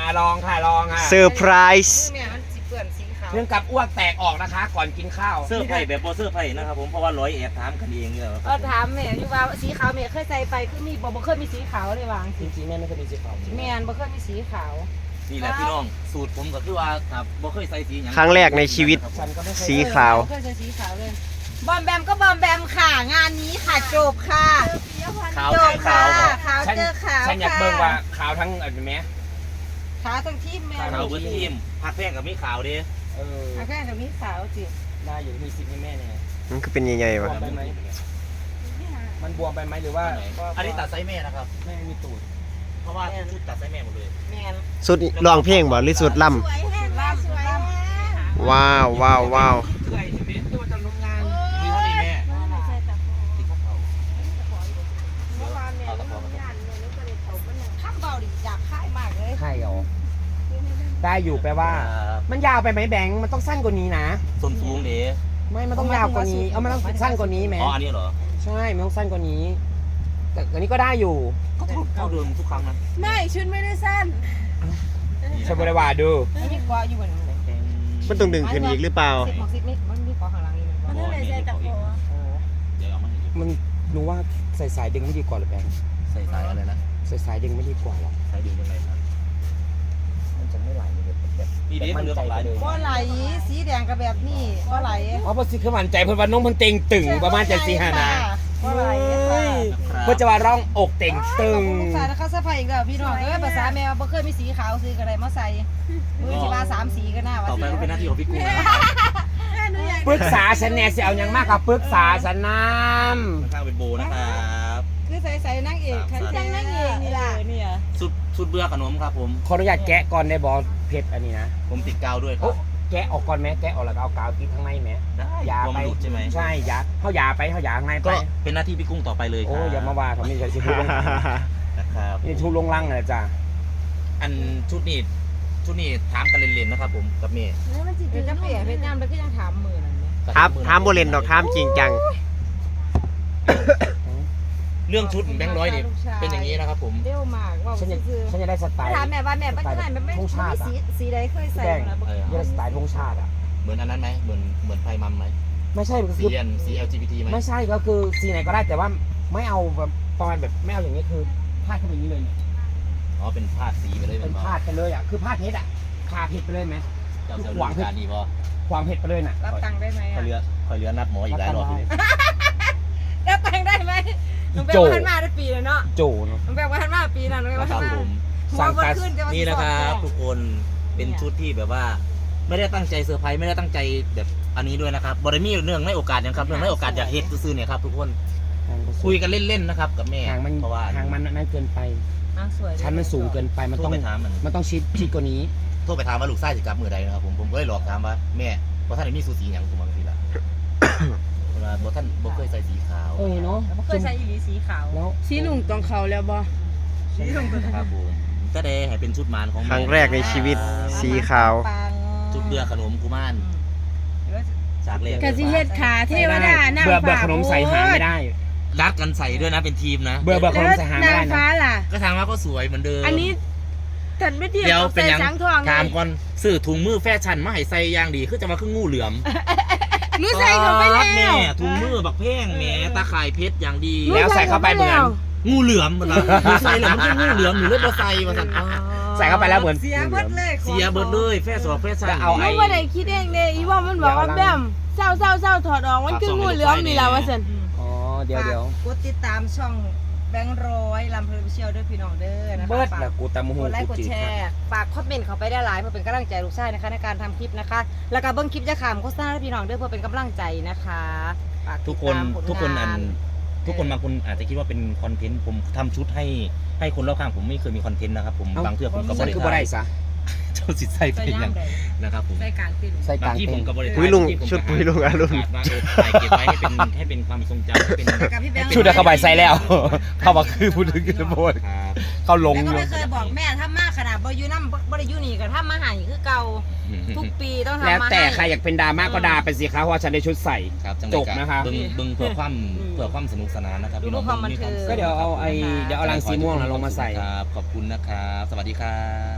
ลองค่ะลองค่ะเซอร์ไพรส์เนี่ยมันสีเปื่อนสีขาวเรื่องกับอ้วกแตกออกนะคะ ก่อนกินข้าวเสื้อไผ่แบบโบเสื้อไผ่นะครับผมเพราะว่าร้อยแอบถามกันเองเนี่ยก็ถามแม่อยู่ว่าสีขาวแม่เคยใส่ไปคือมีบ่เคยมีสีขาวเลยวางจริงๆแม่ไม่เคยมีสีขาวแม่บ่เคยมีสีขาวนี่แหละพี่น้องสูตรผมก็คือว่าครับบ่เคยใส่สีอย่างครั้งแรกในชีวิตฉันก็ไม่เคยสีขาวเคยใส่สีขาวเลยบอมแบมก็บอมแบมค่ะงานนี้ค่ะจบค่ะขาวจเจบอค่ะขาวครับขาวฉันเจอขาวฉันอยากเบิ่งว่าขาวทั้งอะไรไหมขาวทั้งทีมแม่ขาวเบอร์ทีมผักแป้งกับมีขาวดิเออแค่กับมีขาวจิได้อยู่มีสิทธิ์ให้แม่เนี่ยมันคือเป็นใหญ่ๆวะมันบวมไปไหมหรือว่าอันนี้ตัดไซส์แม่นะครับแม่มีตูดเพราะว่าชุดตัดไซส์แม่หมดเลยแม่นสุดร้องเพลงบ่หรือสุดล่สวยแห้งล่ำสวยแห้งำว้าวว้าวว้าวเคยเห็นไหมที่ว่าจะลงงานมีเท่านี้แม่ที่เขาเมื่อวานเนี่ยงานเนี่ยนึกว่าได้เขาเป็นอย่างข้ามเบาดิอยากค่ายมากเลยใช่เหรอได้อยู่แปลว่า มันยาวไปไหมแบงค์มันต้องสั้นกว่านี้นะส้นสูงเด้ไม่มันต้องยาวกว่านี้เอามันต้องสั้นกว่านี้แหมอ๋ออันนี้เหรอใช่มันต้องสั้นกว่านี้ แต่อันนี้ก็ได้อยู่ก็เท่าเดิมทุกครั้งนะไม่ชุดไม่ได้สั้นใช่บริวารดูอันนี้กว่าอยู่เหมือนกันมันต้องดึงขึ้นอีกหรือเปล่าสิบหกสิบนี่มันมีกว่าข้างหลังอีกเหมือนกันเดี๋ยวเอามาให้ดูมันรู้ว่าใส่สายดึงไม่ดีกว่าหรือแบงค์ใส่สายอะไรนะใส่สายดึงไม่ดีกว่าหรอสายดึงยังไงครับมันจะไม่ไหลเลยแบบพี่เด้มันเลือกของร้านเลยก็ไหลสีแดงกับแบบนี้ก็ไหลอ๋อเพราะสิคือมั่นใจเพิ่นว่าน้องเพิ่นเต็งตึงประมาณจะสี่ห้านะก็ไหลค่ะเพื่อจะว่าร้องอกเต่งตึงลูกชายนะคะสะพายอีกแล้วพี่น้องเอ้ยภาษาแมวบ่เคยมีสีขาวซื้อกันไดมาใส่มือสิมา3สีก็น่าว่าต่อไปก็เป็นหน้าที่ของพี่กุ้งนะปรึกษาฉันแน่สิเอาหยังมากกับปรึกษาฉันน้ข้างเป็นโบนะครับคือใส่นางเอกคันจังนางเอกนี่ล่ะเนี่ยสุดเบื่อขนมครับผมำขออนุญาตแกะก่อนได้บอเพชรอันนี้นะผมติดกาวด้วยคโอ้รับแกะออกก่อนไหมแกะออกแล้วก็เอากาวติดข้างในไหมได้ยาตัวไปมันหลุดใช่ไหมใช่ยาเขายาไปเขายาข้างในไปก็เป็นหน้าที่พี่กุ้งต่อไปเลยคโอ้รับอย่ามาว่าทำไมใช่สิทุลงนะครับนี่ทุลงลังเลยจ้ะอันชุดนี้ถามกันเล่นๆนะครับผมกับเมย์เป็นจังเปียเพชรน้ำแล้วก็ยังถามมือนั่นเนี่ยถามโบเลนดอกถามจริงจังเรื่องชุดแบงค์ร้อยนี่เป็นอย่างนี้นะครับผมเร็วมากว่าฉันจะคือฉันจะได้สไตล์ถามแม่ว่าแม่ปัจจุบันไม่สีใดเคยใส่จะได้สไตล์ธงชาติอ่ะเหมือนอันนั้นไหมเหมือนไฟมัมไหมไม่ใช่ก็สีคือสี LGBT ไหมไม่ใช่ก็คือสีไหนก็ได้แต่ว่าไม่เอาแบบประมาณแบบไม่เอาอย่างนี้คือพาดเข้าไปอย่างนี้เลยเนี่ยอ๋อเป็นพาดสีไปเลยเป็นพาดไปเลยอ่ะคือพาดเพชรอ่ะพาเพชรไปเลยไหมเจ้าเจ้าดูการดีพอความเพชรไปเลยน่ะรับตังค์ได้ไหมคอยเรือนัดหมออีกหลายรอบเลยรับตังค์ได้ไหมน้องแบงค์พันมาได้ปีแล้วเนาะโจเนาะน้องแบงค์พันมาปีนั้นน้องแบงค์คพัรับนมาผมหัวบนขึ้นจะมานี่นะครับทุกคนเป็นชุดที่แบบว่า ไม่ได้ตั้งใจเซอร์ไพรส์ไม่ได้ตั้งใจแบบอันนี้ด้วยนะครับบริมีเนื่องในโอกาสนะครับเนื่องในโอกาสอยากเฮ็ดซื้อๆเนี่ยครับทุกคนคุยกันเล่นๆนะครับกับแม่หางมันเพราะว่าหางมันนั่นเกินไปสวยชั้นมันสูงเกินไปมันโทต้รองไปถามมันมันต้องชิดกว่านี้โทรไปถามว่าลูกชายจะกลับมือใดนะครับผมก็เลยหลอกถามว่าแม่บ่ท่านได้มีสูสีอย่างผมบางทีละเวลาบ่ท่านบ่เคยใส่สีขาวเนาะเคยใส่อีหลีสีขาวแล้วสีลุงตองเขาแล้วบ่ครับผมก็ได้ให้เป็นชุดมารของครั้งแรกในชีวิตสีขาวชุดเบื่อขนมกุมารจากเลขกะสิเฮ็ดขาเทวดานั่งเบื่อฟ้าขนมใส่หางไม่ได้รัดกันใส่ด้วยนะเป็นทีมนะเบื่อขนมใส่หางไม่นางได้ฟ้านะล่ะก็ทางว่าก็สวยเหมือนเดิมอันนี้ถัดไม่เทียบเดี๋ยวกับเป็นใส่ยังสังทองถามก่อนซื้อถุงมือแฟชั่นมาให้ใส่อย่างดีคือจะมาคืองูเหลือมหนูใส่เขาไปแล้แม่วถุงมือบักแพงแหมตาข่ายเพชรอย่างดีแล้วใส่เข้าไปเหมือนงูเหลือมมันละหนูใส่แล้วมันคืองูเหลือมหนูเลยบ่ใส่มาสั่นใส่เข้าไปแล้วเหมือนเสียเบิดเลยเสียเบิดเลยแฟชั่นแฟชั่นเอาหไอ้นูบ่ได้คิดเองเด้อีว่ามันบอกว่าแบมเศร้าถอดออกมันคืองูเหลือมนี่ล่ะว่าซั่นอ๋อเดี๋ยวกดติดตามช่องแบงค์ร้อยลำเพลินเชียวด้วยพี่น้องเด้อนะคะเบิดแล้วกูตามหูกดไลค์กกูดจีแชร์ฝากคอมเมนต์เข้าไปได้หลายเพื่อเป็นกำลังใจลูกชายนะคะในการทำคลิปนะคะ แล้วก็เบิ้งคลิปจะขำโฆษณาให้พี่น้องเด้อเพื่อเป็นกำลังใจนะคะฝากติทุดกคนตามผลทุกคนงานทุกคนบางคนอาจจะคิดว่าเป็นคอนเทนต์ผมทำชุดให้คนรอบข้างผมไม่เคยมีคอนเทนต์นะครับผมบางเทื่อผมก็ฉันคือบ่ได้ซะเจ้าสิใส่ไปใส่ยัย่างงใดนะครับผมใส่กลางติ่นใส่กบาลาง งที่ผมเต็นก็บริปุ้ยลุงชุดปุ้ยลุงอรุณว่าถ่ายเก็บไว้ให้เป็นความทรงจำให้เป็นกับพี่แบงค์ชุดอะเข้าไปใส่แล้ว เข้ามาคือพูดถึงกันโบดครับเขาลงแล้วอก็ยู่ไม่เคยบอกแม่ถ้ามากขนาดบ่อยู่น้ำบ่ได้อยู่นี่ก็ถ้ามาหาคือเก่าทุกปีต้องทำมาให้แล้วแต่ใครอยากเป็นดราม่าก็ด่าไปสิครับเพราะว่าฉันได้ชุดใส่ครับจังจบนะครับบึงเพื่อความสนุกสนานนะครับพี่น้องก็เดี๋ยวเอารังสีม่วงน่ะลงมาใส่ครับขอบคุณนะครับ สวัสดีครับ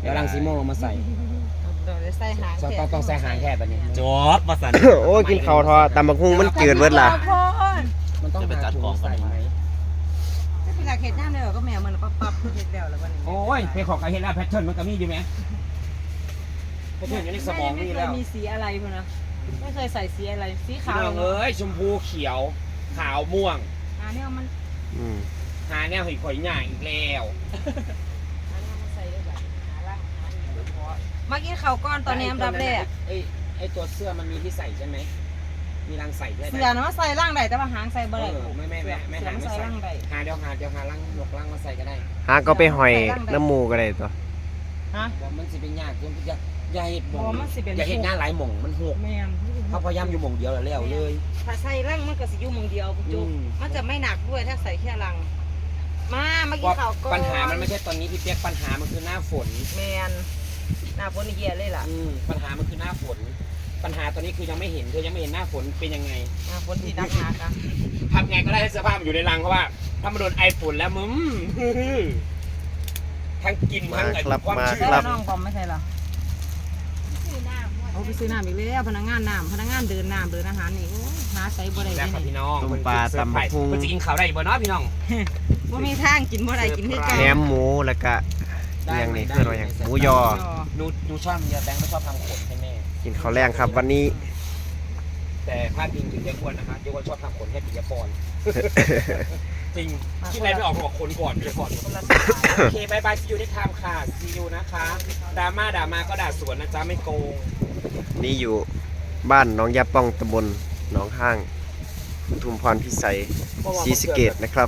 เดี๋ยวรังสีม่วงลงมาใส่เดี๋ยวใส่หางต้องใส่หางแค่แบบนี้จบมาสั่นโอ้ยกินข้าวทอดตำบักหุ่งมันจืดเบิดล่ะมันต้องหาถุงใส่ไหมถ้าเป็นหลักเห็ดย่างเดียวก็แมวมันปั๊บเห็ดเดียวแล้ววันนี้โอ้ยเพของการเห็นแล้วแพทเทิร์นมันก็มีดีไหมแพทเทิร์นอยู่ในสมองไม่นี่เคแล้ยว มีสีอะไรพุ่นนะไม่เคยใส่สีอะไรสีขาวพี่น้องเอ้ยชมพูเขียวขาวม่วงเนี่ยมันอืมหาแนวหิข่อยหย่างอีกแล้วมากินข้าวก้อนตอนนี้อันดับแรกไอ้ตัวเสื้อมันมีที่ใส่ใช่ไหมมีรังใส่ด้วยเสือนะว่าใส่ร่างใดแต่ว่าหางใส่บ่ได้ไม่หาไม่ใส่ใส่ร่างใดหาเดี๋ยวหารังหลกรังมาใส่ก็ได้หาก็ไปหอยน้ำหมูก็ได้ตัวฮะว่ามันสิเป็นยากจนอย่าเห็ดหม่อ๋อมันสิเป็นอย่าเห็ดงานหลายหม่องมันหกแมนเขาพยายามอยู่หม่องเดียวแล้วเลยถ้าใส่ร่างมันก็สิอยู่หมองเดียวจุ๊บอืมมันจะไม่หนักด้วยถ้าใส่แค่รังมากินว่าข้าวก้อนปัญหามันไม่ใช่ตอนนี้พี่เปียกปัญหามันคือหน้าฝนแมนหน้าฝนนี่แย่เลยล่ะปัญหามันคือหน้าฝน ปัญหาตอนนี้คือยังไม่เห็นเธอยังไม่เห็นหน้าฝนเป็นยังไงหน้าฝนที่นักหนักอ่ะทำไงก็ได้ให้เสื้อผ้ามันอยู่ในรังเพราะว่าถ้ามันโดนไอฝุ่นแล้วมึมทั้งกินทั้งไอ้ความชื้นใช่แล้วน้องบอมไม่ใช่เหรอเอาไปซื้อน้ำอีกแล้วพนักงานเดินน้ำเดินอาหารนี่โอ้ยหาใส่บ่ได้แล้วเลยครับนี่พี่น้องต้มปลาตำบักหุ่งมันจะกินข้าวได้บ่เนาะพี่น้องบ่มีทางกินบ่ได้กินคือกันแหนมหมูแล้วก็เรียงนี่คืออะไรอย่างหมูยอหนูชอบเยอะแบงค์ไม่ชอบทำขนให้แม่กินข้าวแรงครับวันนี้แต่พลาดพิงถึงเยอะอ้วนนะคะเยอะอ้วนชอบทำขนให้ปิยพร จริงคิดอะไรไม่ออกบอกขนก่อนปิยพรคนละสไตล์โอเคบายบายซียูได้ทำค่ะซียูนะคะดราม่าก็ด่าสวนนะจ๊ะไม่โกงนี่อยู่บ้านหน้องยาป้องตำบลหนองห้างปทุมพรพิสัยศรีสะเกษนะครับ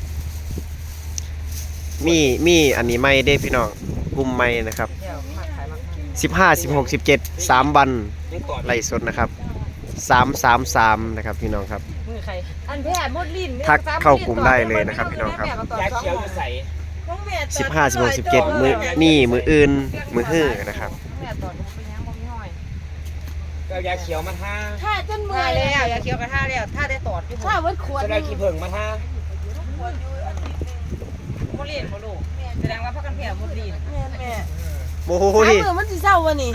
มีอันนี้ไม่ได้พี่น้องกลุ่มไม่นะครับเดี๋ยวมาขายมา 15 16 17 3 วันยังต่อไล่สดนะครับ333นะครับพี่น้องครับมือใครอันแพ้มดลิ้นทักเข้ากลุ่มได้เลยนะครับพี่น้องครับยาเขียวจะใส่ 15 16 17มือนี่มืออื่นมือฮื้อนะครับแม่ตอดไปยังบ่มีห้อยก็ยาเขียวมาท่าถ้าจนเมื่ท่าอยแล้วอย่าเคี้ยวกระท่าแล้วท่าได้ตอดที่ผมถ้าวัดขวดจะได้ขี้เผิงมาท่ามดลิ้นบ่ลูกแสดงว่าพักกันแพ้มดลิ้นแม่โอ้ถ้าโหมือมันสิเศร้าวันนี้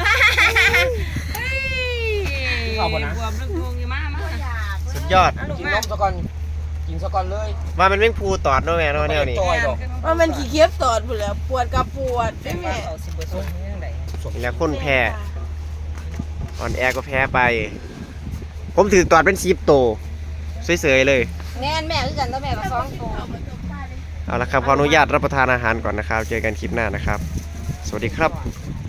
บวมเรื่องงงอยู่มาสุดยอดกินนมซะก่อนกินซะก่อนเลยว่ามันแม่งพูตอดเนาะแม่เนาะแนวนี้จอยดอกว่ามันขี้เคียบตอดหมดแล้วปวดกับปวดแต่ว่าเขาสิบ่สนเรื่องใดแล้วคนแพ้อ่อนแอก็แพ้ไป ผมถือตอดเป็น10โตสวยๆเลยแม่นแม่คือกันแล้วแม่ก็ซ้องตัวเอาละครับขออนุญาตรับประทานอาหารก่อนนะครับ เจอกันคลิปหน้านะครับ สวัสดีครับ